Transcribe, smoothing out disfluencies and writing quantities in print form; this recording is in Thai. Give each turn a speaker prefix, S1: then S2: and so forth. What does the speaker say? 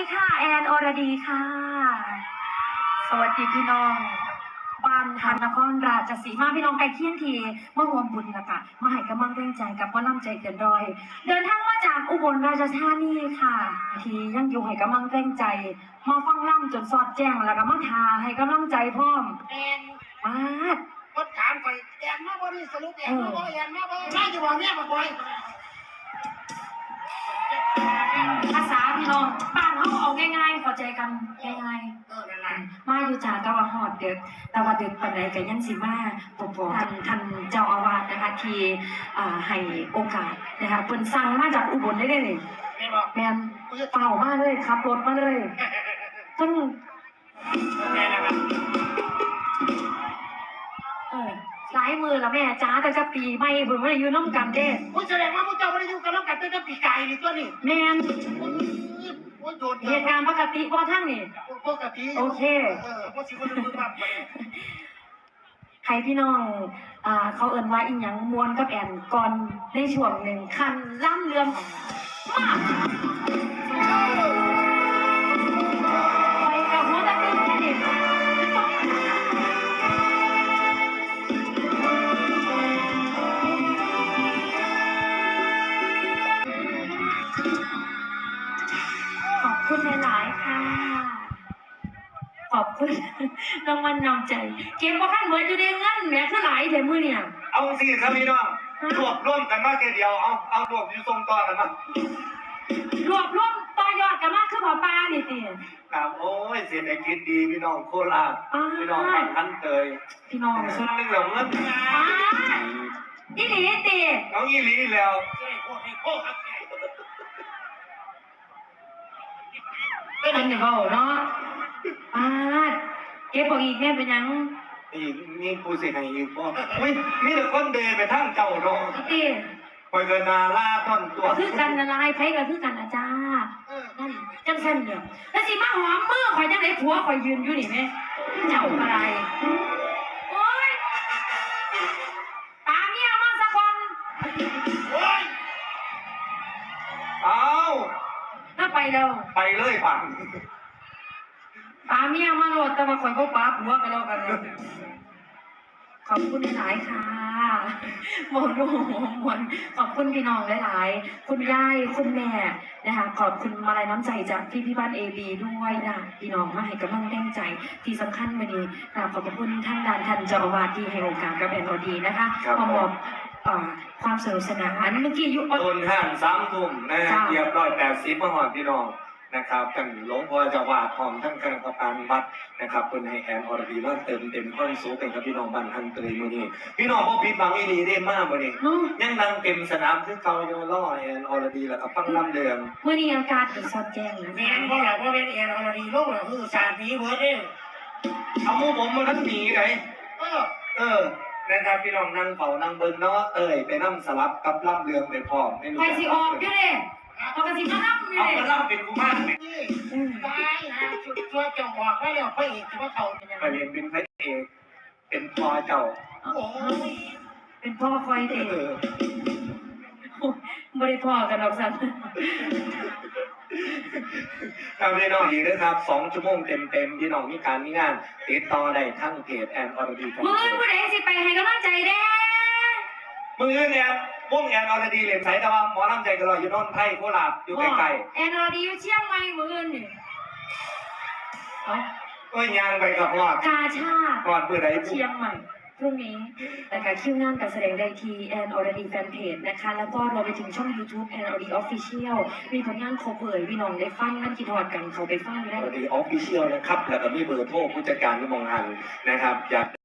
S1: ค่ะแอนอรดีค่ะสวัสดีพี่น้องบ้านทางนครราชสีมาพี่น้องไกลเคียงทีมาห่วมบุญนะคะมาให้กำลังแรงใจกับว่าน้ำใจเกินร้อยเดินทางมาจากอุบลราชธานีค่ะทียังอยู่ให้กำลังแรงใจมาฟังล่ำจนสอดแจ้งแล้วก็มาทาให้กำลังใจพร้อม
S2: แอน
S1: มาด
S2: คนถามไปแอนมาบ่นี่สรุปแอนมาบ่แอนมาบ่น่าจะบอกเนี่ยมาบ่อย
S1: ภาษาพี่น้องบ้านเขาเอาง่ายๆเข้าใจกันง่าย
S2: ๆนั่นแหละ
S1: มาอยู่จากตะวันหอดเด็กตะวันเด็กปันไหนกันยังสิมาปกท่านเจ้าอาวาสนะคะที่ให้โอกาสนะคะเพิ่นสั่งมาจากอุบลได้เลยแมนเป่ามาเลยขับรถมาเลยซึ่งหลายมือละแม่จ้าแต่จะปีไม่เพิ่นไม่ได้อยู่น้ำกันเด้
S2: แสดงว่าพวกเจ้าไม่ได้อยู่กับน้ำกันตั้งแต่ปีไก่นี่ตัวนี่
S1: แมนเหตุการณ์ปกติว่าท่านนี่
S2: ปกติ
S1: โอเคใครพี่น้องเขาเอิ้นว่าอีหยังมวนกับแอนก่อนในช่วงหนึ่งคันล่ำเรืองมากไปกับหัวตะลึงแค่นี้ขอบคุณหลายๆค่ะขอบคุณรางวัลนำใจเก็บว่าขั้นเหมือนอยู่ในเงินแหมคือหลายเดี๋ยวมือเนี่ย
S3: เอาสิครับพี่น้องรวบรวมกันมาแค่เดียวเอารวบอยู่ทรงต่อกันมาร
S1: วบรวมต่อยอดกันมากคือหมอปลาดิติ
S3: ครับโอ้ยเศรษฐกิจดีพี่น้องโคราชพี่น้องบ้านทันเตย
S1: พี่น้อง
S3: ส่วนหนึ่งเหล่าเงิน
S1: อีหลีติ
S3: เอาอีหลีแล้ว
S1: เป็นเดี๋ยวเขาเนาะเก็บบอกอีกแม่เป็นยัง
S3: อีกนี่ผู้เสียหายอีกพ่อไม่มีแต่คนเดินไปทางเก่าเนาะคอยเกินนาล่าต้นตัว
S1: คือกันอะไรไพ่กับคือกันอาจารย์นั่นจังเส้นเดียวแล้วสิมาหอมมือคอยจังไหนผัวคอยยืนอยู่นี่แม่เจ้าอะไรโอ๊ยตาเมียมาสักคน
S3: โอ๊ยเอา
S1: ถ้าไปเร็ว
S3: ไปเลยปัง
S1: ตาเมียมาโหลดแต่ว่าคอยเขาปั๊บหัวกันแล้วกันขอบคุณหลายค่ะหมดรูหมดขอบคุณพี่น้องหลายๆคุณยายคุณแม่นะคะขอบคุณมาลัยน้ำใจจากพี่บ้านเอบีด้วยนะพี่น้องมาให้กำลังแรงใจที่สำคัญวันนี้ขอบคุณท่านท่านเจ้าอาวาสที่ให้โอกาสกับแอนโอดีนะคะมามอบความสนุกสนานเมื่อกี้ยุ
S3: ต้นห้าง3 ทุ่มนะเรียบร้อย80มาหอดพี่น้องนะครับกันหลวงพ่อจะวาดพร้อมทั้งคณะกรรมการวัดนะครับเป็นให้แอนอรดีว่าเต็มความสูงเป็นกับพี่น้องบ้านทันเตยมือนี้พี่น้องพ่อพี่บางอีดีได้มากมือนี้ยังดังเต็มสนามคือเก่าโยล่อแอนอรดีแล้วก็ฟังลำเดือง
S1: มือนี้อากาศสดแจ้งนะ
S2: แอนเพราะเราเป็นแอนอรดีโลกเราคือสารผีเวิร์ดเอง
S3: เอาหมูผมมาทั้งหนีไงนะครับพี่น้องนั่งเป่านั่งเบิ้งเนาะไปนั่งสลับกับลำเดืองไปพร้อมไม่รู้
S1: ใครสิออกอยู่เลยปกติมาล่ำอยู่เลย
S3: เอาล่ำเป็นกูมากเลย
S2: ตายฮะชุดช่วยจังหวะก็แล้วพระเอกที่ว่าเขาเป็นยังไง
S3: ไปเรียนเป็นพระเอกเป็นพ่อเจ้า
S2: โอ้ย
S1: เป็นพ่อคอยเด็กไม่ได้พ่อกันหรอกสัน
S3: ครับพี่น้องดีนะครับ2 ชั่วโมงเต็มพี่น้องมีการมีงานติดต่อได้ทั้งเพจแอนอรดี
S1: มือผู้ใดสิไปให้กำลังใจเด้
S3: มือเนี่ยวงแอนอรดีเหรียญไทยแต่ว่าหมอลำใจกันเลยอยู่นนท์ไทยโคราชอยู่ไกล
S1: ๆแอนอรดีอยู่เชียงใหม่มือนี่
S3: ก็ยางไปกับพ่อก
S1: าชา
S3: ก่อนเมื่อใด
S1: เชียงใหม่พรุ่งนี้นะคะคิวงานการแสดงได้ที่แอนอรดีแฟนเพจนะคะแล้วก็รวมไปถึงช่อง YouTube แอนอรดีออฟฟิเชียลมีผลงานครบเลยพี่น้องได้ฟังนั่นคิดฮอดกันเขาไปฟังได้
S3: อรดีออฟฟิเชียลนะครับแล้วก็มีเบอร์โทรผู้จัดการที่มองหันนะครับอยาก